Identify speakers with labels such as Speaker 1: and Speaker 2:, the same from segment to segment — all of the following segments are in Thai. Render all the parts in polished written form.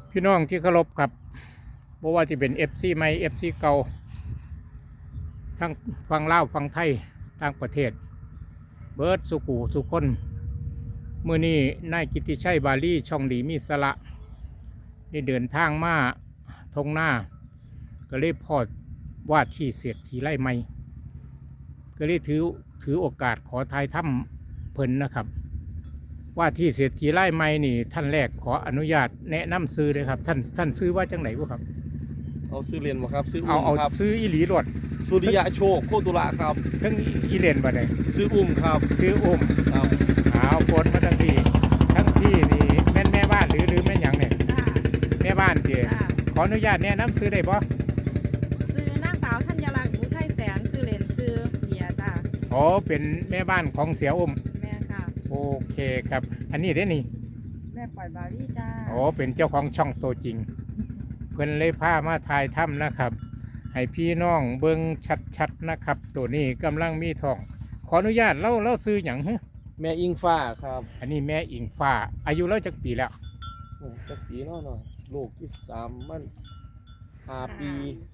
Speaker 1: พี่น้องที่เคารพครับบ่ว่าจะเป็น FC ใหม่ FC เก่าทั้งฟังลาวฟังไทยต่างประเทศเบิร์ดสุขูสุคนมื้อนี้นายกิตติชัยบาลีช่องดีมีสระได้เดินทางมาทงหน้าก็เลยพอดว่าที่เศรษฐีไร่ใหม่ก็เลยถือโอกาสขอทายถ้ำเพิ่นนะครับว่าที่เศรษฐีไร่ใหม่นี่ท่านแรกขออนุญาตแนะนำซื้อเลยครับท่านซื้อว่าจังไหนบ่ครับ
Speaker 2: เอาซื้อเรียนบ่ครับซื้อ
Speaker 1: เอา
Speaker 2: ครับ
Speaker 1: ซื้ออีหลีรถ
Speaker 2: สุริยะโชคโคตุระครับ
Speaker 1: ทั้งอีเลนบ่ได้
Speaker 2: ซื้อครับ
Speaker 1: ซื้อ
Speaker 2: ครับ
Speaker 1: เอาคนมาทั้งพี่นี่แม่นแม่บ้านหรือแม่นหยังเนี่ยแม่บ้านเจ้ขออนุญาตแนะนำซื้อได้บ่
Speaker 3: ซื้อนางสาวธัญลักษณ์อุทัยแสนซื้อเลนซื้อเบียร์จ้า
Speaker 1: อ๋อเป็นแม่บ้านของเสีย
Speaker 3: แม่ค่ะ
Speaker 1: โอเคครับอันนี้ได้นี่
Speaker 3: แม่ปล่อยบารี่จ้า
Speaker 1: อ๋อเป็นเจ้าของช่องตัวจริงเพิ่นเลยพามาถ่ายถ้ำนะครับให้พี่น้องเบิ่งชัดๆนะครับตัวนี้กำลังมีทองขออนุญาตเล่าซื้อหยังฮะ
Speaker 2: แม่อิงฟ้าครับ
Speaker 1: อันนี้แม่อิงฟ้าอายุเล่าจักปีแล้ว
Speaker 2: จักปีน้อยลูกที่3มัน5 ปี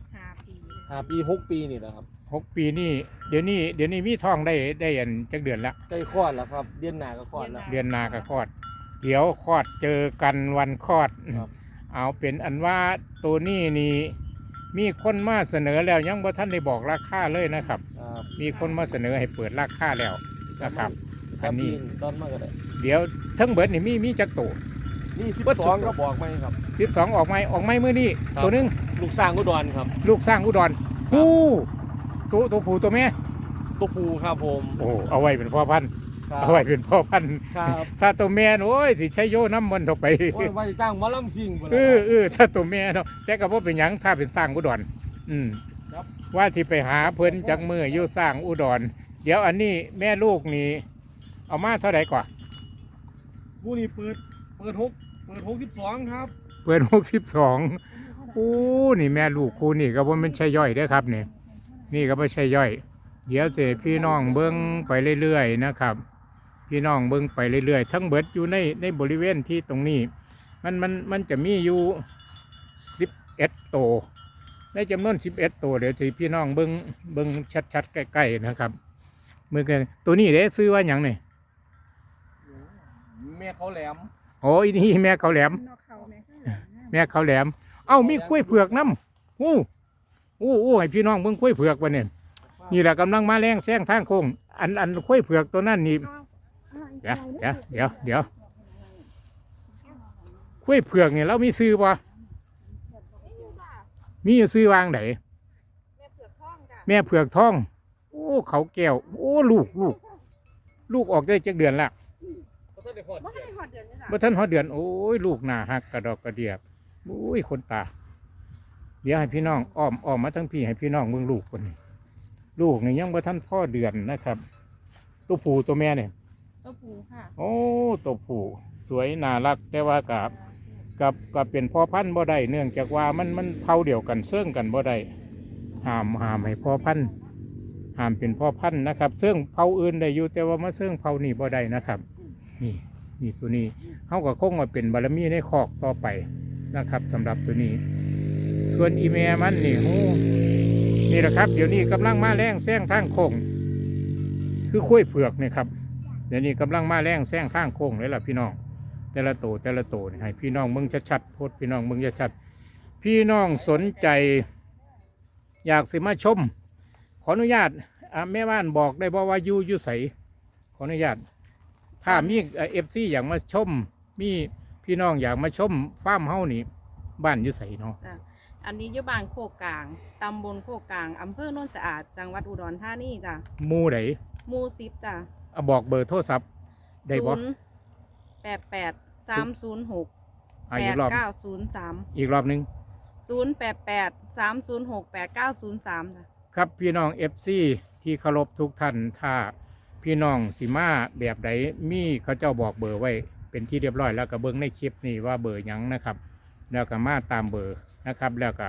Speaker 2: 6 ปีนี่แหละครับ
Speaker 1: 6 ปีนี่เดี๋ยวนี้มีทองได้อันจักเดือนละ
Speaker 2: ใกล้คลอดแล้วครับเดือนหน้าก็คลอดแล้ว
Speaker 1: เดือนหน้าก็คลอดเดี๋ยวคลอดเจอกันวันคลอดเอาเป็นอันว่าตัวนี้นี่มีคนมาเสนอแล้วยังบ่ท่านได้บอกราคาเลยนะครับมีคนมาเสนอให้เปิดราคาแล้วนะครับอันนี้
Speaker 2: ตอนมาก็ได้
Speaker 1: เดี๋ยวทั้งเบิดนี่มีจักตัว
Speaker 2: นี่12ก็บอกไหมครับ
Speaker 1: 12ออกไหมมื้อนี้ตัวนึง
Speaker 2: ลูกสร้างอุดรครับ
Speaker 1: ลูกสร้างอุดรตัวผู้ตัวแม่
Speaker 2: ตัวผู้ครับผม
Speaker 1: โอ้เอาไว้เป็นพ่อพันธุ์เอาไว้เป็นพ่อพันธุ์ถ้าตัวแม่โอ้ยสิใช้โยน้ำมันเข้าไป
Speaker 2: ว่าจะจ้างมาล่ำซิ่ง
Speaker 1: ถ้าตัวแม่เนาะแต่ก็บ่เป็นหยังถ้าเป็นสร้างอุดรว่าที่ไปหาเพิ่นจักมืออยู่สร้างอุดรเดี๋ยวอันนี้แม่ลูกนี่เอามาเท่าไหร่ก่อน
Speaker 2: ผู้นี้เปิด62ครับ
Speaker 1: เปิด62โอ้นี่แม่ลูกคู่นี่ก็บ่แม่นใช่ย่อยเด้อครับนี่ก็ไม่ใช่ย่อยเดี๋ยวเจพี่น้องเบิ้งไปเรื่อยๆนะครับพี่น้องเบิ้งไปเรื่อยๆทั้งเบิดอยู่ในบริเวณที่ตรงนี้มันจะมีอยู่11ตัวในจำนวน11ตัวเดี๋ยวที่พี่น้องเบิ้งชัดๆใกล้ๆนะครับเมื่อกี้ตัวนี้เด้ซื้อว่าอย่างนี่
Speaker 2: แม่เขาแหลม
Speaker 1: โอ้ยนี่แม่เขาแหลมแม่เขาแหลมเอ้ามีกล้วยเผือกน้ำให้พี่น้องเบิ้งกล้วยเผือกวันนี้นี่แหละกำลังมาแรงแซงทางโค้งอันกล้วยเผือกตัวนั้นนี่เดี๋ยวกล้วยเผือกเนี่ยเรามีซื้อป่ะมีซื้อวางไหนแม่เผือกทองโอ้เขาแก้วโอ้ลูกออกได้จักเดือนละบ่ทันฮอดเดือนโอ้ยลูกหน้าหักกระดอกกระเดียบโอ้ยคนตาเดี๋ยวให้พี่น้องอ้อมมาทั้งพี่ให้พี่น้องเบิ่งลูกคนนี้ลูกนี่ยังบ่ทันพ่อเดือนนะครับตัวผู้ตัวแม่เนี่ย
Speaker 3: ตัวผู้ค่ะ
Speaker 1: โอ้ตัวผู้สวยน่ารักแต่ว่ากับเป็นพ่อพันธุ์บ่ได้เนื่องจากว่ามันเผาเดียวกันเสื่องกันบ่ได้ห้ามให้พ่อพันธุ์ห้ามเป็นพ่อพันธุ์นะครับเสื่องเผาอื่นได้อยู่แต่ว่ามาเสื่องเผานี่บ่ได้นะครับนี่ตัวนี้เขาก็คงมาเป็นบารมีในคอกต่อไปนะครับสำหรับตัวนี้ส่วนอีเมมันนี่แหละครับเดี๋ยวนี้กำลังมาแรงแซงทางโค้งคือคุ้ยเผือกนี่ครับเดี๋ยวนี้กำลังมาแรงแซงทางโค้งเลยล่ะพี่น้องแต่ละโตให้พี่น้องมึงชัดๆโพดพี่น้องมึงชัดพี่น้องสนใจอยากสิมาชมขออนุญาตแม่บ้านบอกได้บอกว่าอยู่ใสขออนุญาตถ้ามีFCอยากมาชมมีพี่น้องอยากมาชมฟาร์มเฮานี่บ้านอยู่ใสเนาะ
Speaker 3: อันนี้อยู่บ้านโคกกลางตำบลโคกกลางอำเภอโนนสะอาดจังหวัดอุดรธานีจ้ะ
Speaker 1: หมู่ไหน
Speaker 3: หมู่10จ้ะ
Speaker 1: บอกเบอร์โทรศัพท์ได้บ่
Speaker 3: 088 306 8903
Speaker 1: อีกรอบนึง
Speaker 3: 088 306 8903จ้ะ
Speaker 1: ครับพี่น้อง FC ที่เคารพทุกท่านถ้าพี่น้องสิมาแบบใดมีเขาเจ้าบอกเบอร์ไว้เป็นที่เรียบร้อยแล้วก็เบิ่งในคลิปนี่ว่าเบอร์หยังนะครับแล้วก็มาตามเบอร์นะครับแล้วก็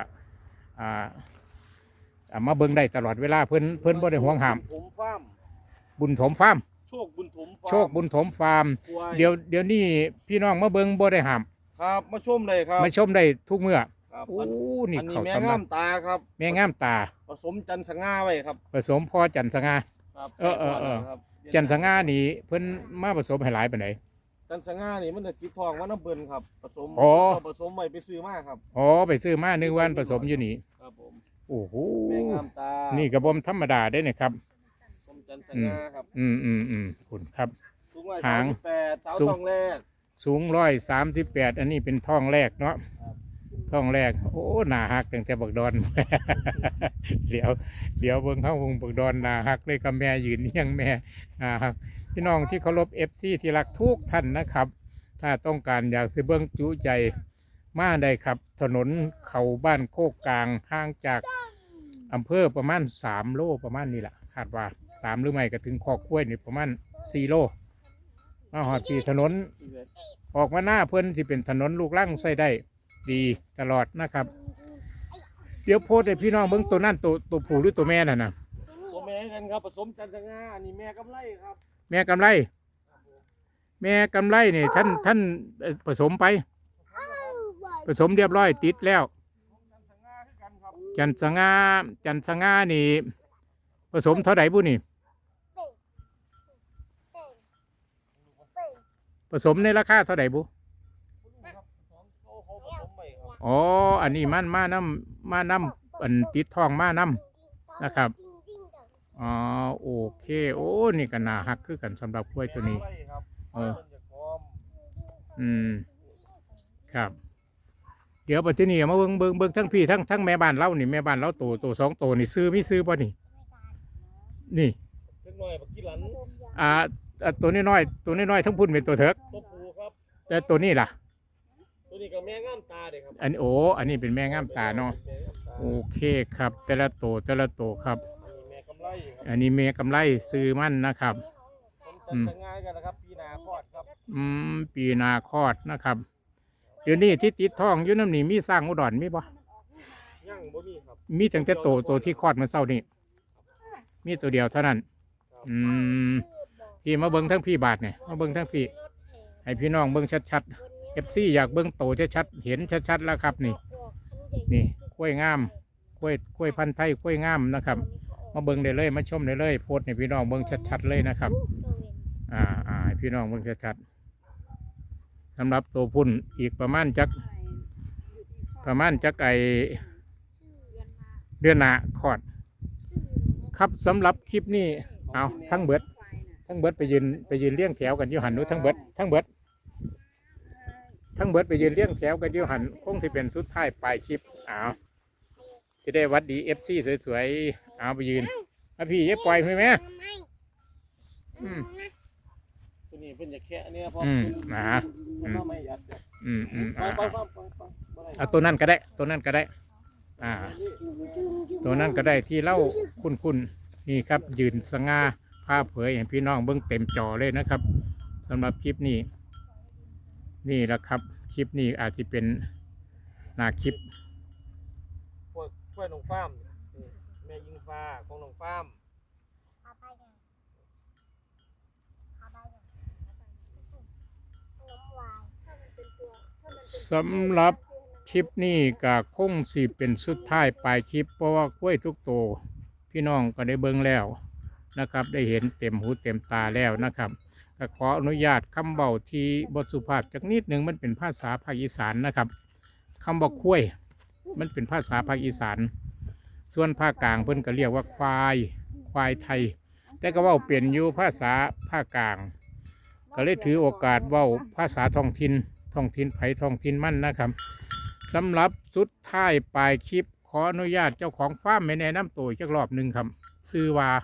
Speaker 1: มาเบิ่งได้ตลอดเวลาเพิ่นบ่ได้ห่วงห้ามบุญถมฟาร์มโชคบุญถมฟาร์มเดี๋ยวนี้พี่น้องมาเบิ่งบ่ได้ห้าม
Speaker 2: ครับมาชมเลยครับ
Speaker 1: มาชมได้ทุกเมื่อ
Speaker 2: ครับ
Speaker 1: โอ้นี่
Speaker 2: อันนี้
Speaker 1: เขา
Speaker 2: แม่
Speaker 1: ตำ
Speaker 2: งา
Speaker 1: รับ
Speaker 2: มตาครับ
Speaker 1: แม่งามตา
Speaker 2: ผสมจันทร์สง่าไว้ครับ
Speaker 1: ผสมพ่อจันทร์สง่า
Speaker 2: ครับ
Speaker 1: เออ
Speaker 2: ครับ
Speaker 1: จันทร์สง่านี่เพิ่นมาผสมให้หลายปานใด
Speaker 2: จันทร์สง่านี่มันจะติดทองว่าน้ำเบิ่นครับผสม
Speaker 1: อ๋อ
Speaker 2: ผสมไว้ไปซื้อมาครับ
Speaker 1: อ๋อไปซื้อมานึกว่าผสมอยู่นี่
Speaker 2: ครับผม
Speaker 1: โอ้โห
Speaker 2: แม่งามตา
Speaker 1: นี่กระบอมธรรมดาได้เนี่ยครับ
Speaker 2: ผสมจันทร์สง่าครับ
Speaker 1: คุณครับ
Speaker 2: สูงไว้
Speaker 1: หาง
Speaker 2: 38สาว
Speaker 1: สูง
Speaker 2: ทองแรก
Speaker 1: สูง138อันนี้เป็นท้องแรกเนาะ
Speaker 2: ครับ
Speaker 1: ท้องแรกโอ้หนาหักตั้งแต่บักดอน เดี๋ยวเบิ่งเข้าวงบักดอนหนาหักเลยกับแม่ยืนเลี้ยงแม่หนาหักพี่น้องที่เคารพ FC ที่รักทุกท่านนะครับ ถ้าต้องการอยากซื้อเบิ้งจุใจมาได้ครับ ถนนเขาบ้านโคกกลางห่างจากอำเภอประมาณ3 โลประมาณนี้แหละคาดว่า3หรือไม่ก็ถึงคอกกล้วยนี่ประมาณ4 โลมาหอดที่ถนนออกมาหน้าเพิ่นที่เป็นถนนลูกรังใส่ได้ดีตลอดนะครับ เดี๋ยวโพสต์ให้พี่น้องเบิ้งตัวนั่นตัวผู้หรือตัวแม่น่ะนะ
Speaker 2: ตัวแม่กันครับผสมจันทร์สง่าอันนี้แม่กำไรครับ
Speaker 1: แม่กำไร แม่กำไรนี่ท่านผสมไป ผสมเรียบร้อยติดแล้ว
Speaker 2: จันทร์สง่าคือกันครับ
Speaker 1: จันทร์สง่านี่ผสมเท่าไหร่บุนี่ผสมในราคาเท่าไหร่บุ
Speaker 2: ครับสองโตเขาผสมไว้ครับ
Speaker 1: อ๋ออันนี้มันมาน้ำอันติดทองมาน้ำนะครับอ๋อโอเคโอ้นี่ก็น่าฮักคือกันสำหรับกล้วยตัวนี้
Speaker 2: แม่กำไรครับ
Speaker 1: เออ
Speaker 2: พิ่นจะพร้อม
Speaker 1: ครับ เดี๋ยวปัจจุบันมาเบิ่งทั้งพี่ทั้งแม่บ้านเรานี่แม่บ้านเราตัว2 ตัวนี่ซื้อไม่ซื้อป่ะนี่นี่
Speaker 2: เล็กน้อยบักกี้หลัน
Speaker 1: ตัวน้อยทั้งพุ่นเป็นตัวเถิก
Speaker 2: ตัวผูครับ
Speaker 1: แต่ตัวนี้ล่ะ
Speaker 2: ตัวนี้ก็แม่งามตาเด็กครับ
Speaker 1: อันนี้เป็นแม่งามตาเนาะ
Speaker 2: แม่งามตา
Speaker 1: โอเคครับ แต่ละตัวครับ
Speaker 2: อันนี้แม่กำไรครับ
Speaker 1: อันนี้แม่กำไรซื้อมันนะครับ
Speaker 2: ผมจันทร์สง่ากันนะครับปีหนาคลอดครับ
Speaker 1: ปีนาคลอดนะครับเดี๋ยวนี้ที่ติดท้องอยู่น้ำนี่มีสร้างอุดรมีปะ
Speaker 2: ย่างบ่มีครับ
Speaker 1: มีตั้งแต่ตัวที่คลอดเมื่อเช้านี่มีตัวเดียวเท่านั้น ที่มาเบิ้งทั้งพี่บาทเนี่ยมาเบิ้งทั้งพี่ให้พี่น้องเบิ้งชัดๆ FC อยากเบิ้งโตชัดๆเห็นชัดๆแล้วครับนี่กล้วยงามกล้วยพันธุ์ไทยกล้วยงามนะครับ มาเบิ้งได้เลยมาชมได้เลยโพสต์ให้พี่น้องเบิ้งชัดๆเลยนะครับให้พี่น้องเบิ้งชัดๆสำหรับตัวพุ่นอีกประมาณจักไอเดือนหน้าคลอดครับสำหรับคลิปนี้เอาทั้งเบิดไปยืนเลี้ยงแถวกันอยู่หันนู้ทั้งเบิดไปยืนเลี้ยงแถวกันอยู่หันคงสิเป็นสุดท้ายปลายคลิปจะได้วัดดี FC สวยๆเอาไปยืนพี่อย่าปล่อยไหมอืม
Speaker 2: ตัวนี้เป็นจะแค่เนี่ยพอ
Speaker 1: นะฮะ
Speaker 2: มันก็ไม่ยัดครับ ไปไปไปไป
Speaker 1: ตัวนั้นก็ได้ตัวนั้นก็ได้ที่เล่าคุณนี่ครับยืนสง่าผ้าเผยให้พี่น้องเบิ้งเต็มจอเลยนะครับสำหรับคลิปนี้นี่แหละครับคลิปนี้อาจจะเป็นหน้าคลิป
Speaker 2: กล้วยหนองฟาร์มแม่ยิงฟ้าของหนองฟาร์ม
Speaker 1: สำหรับคลิปนี้ก็คงสิเป็นสุดท้ายปลายคลิปเพราะว่ากล้วยทุกตัวพี่น้องก็ได้เบิ่งแล้วนะครับ ได้เห็นเต็มหูเต็มตาแล้วนะครับก็ขออนุญาตคำเบาที่บทสุภาพจักนิดหนึ่งมันเป็นภาษาภาคอีสานนะครับคำบอกกล้วยมันเป็นภาษาภาคอีสานส่วนภาคกลางเพิ่นก็เรียกว่าควายไทย แต่ก็เว้าเปลี่ยนอยู่ภาษาภาคกลางก็เลยถือโอกาสเว้าภาษาท้องถิ่นไผท้องถิ่นมั่นนะครับสำหรับสุดท้ายปลายคลิปขออนุญาตเจ้าของฟาร์มไม่แนะนำตัวอีกรอบหนึ่งครับซื้อว่าน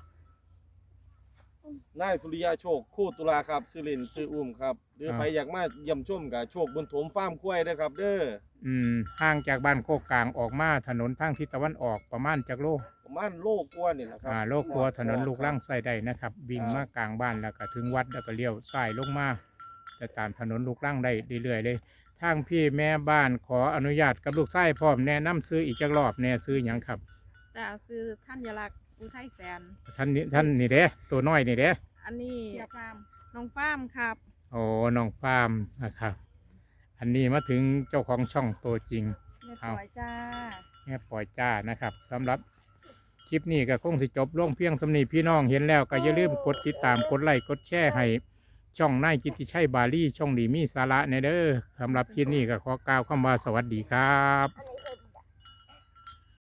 Speaker 2: ายสุริยาโชคคู่ตุลาครับซื้อเล่นซื้ออุ้มครับหรือใครอยากมาเยี่ยมชมกับโชคบนถมฟาร์มกล้วยนะครับเด้อ
Speaker 1: ห่างจากบ้านโคกกลางออกมาถนนทางทิศตะวันออกประมาณจากโล
Speaker 2: ประมาณโลกว่านี่แหละครับ
Speaker 1: โลกลัวถนนลูกร่างใส่ได้นะครับวิ่งมากลางบ้านแล้วก็ถึงวัดแล้วก็เลี้ยวซ้ายลงมาจะตามถนนลูกร่างได้เรื่อยๆเลยทางพี่แม่บ้านขออนุญาตกับลูกชายพร้อมแนะนำซื้ออีกจักรอบแน่ซื้ออย่างครับ
Speaker 3: จะซื้อธัญลักษณ์อุทัยแสน
Speaker 1: ท่านนี่เด้ตัวน้อยนี่เด้
Speaker 3: อันนี้น้องฟาร์มครับ
Speaker 1: โอ้น้องฟาร์มนะครับอันนี้มาถึงเจ้าของช่องตัวจริง
Speaker 3: แม่ปล่อยจ้า
Speaker 1: แม่ปล่อยจ้านะครับสำหรับคลิปนี้ก็คงสิจบลงเพียงสำนีพี่น้องเห็นแล้วก็อย่าลืมกดติดตามกดไลค์กดแชร์ให้ช่องนายกิตติชัยบาลีช่องดีมีสาระในเด้อสำหรับคลิปนี้ก็ขอกล่าวคำว่าสวัสดีครับ
Speaker 4: อันนี้เคย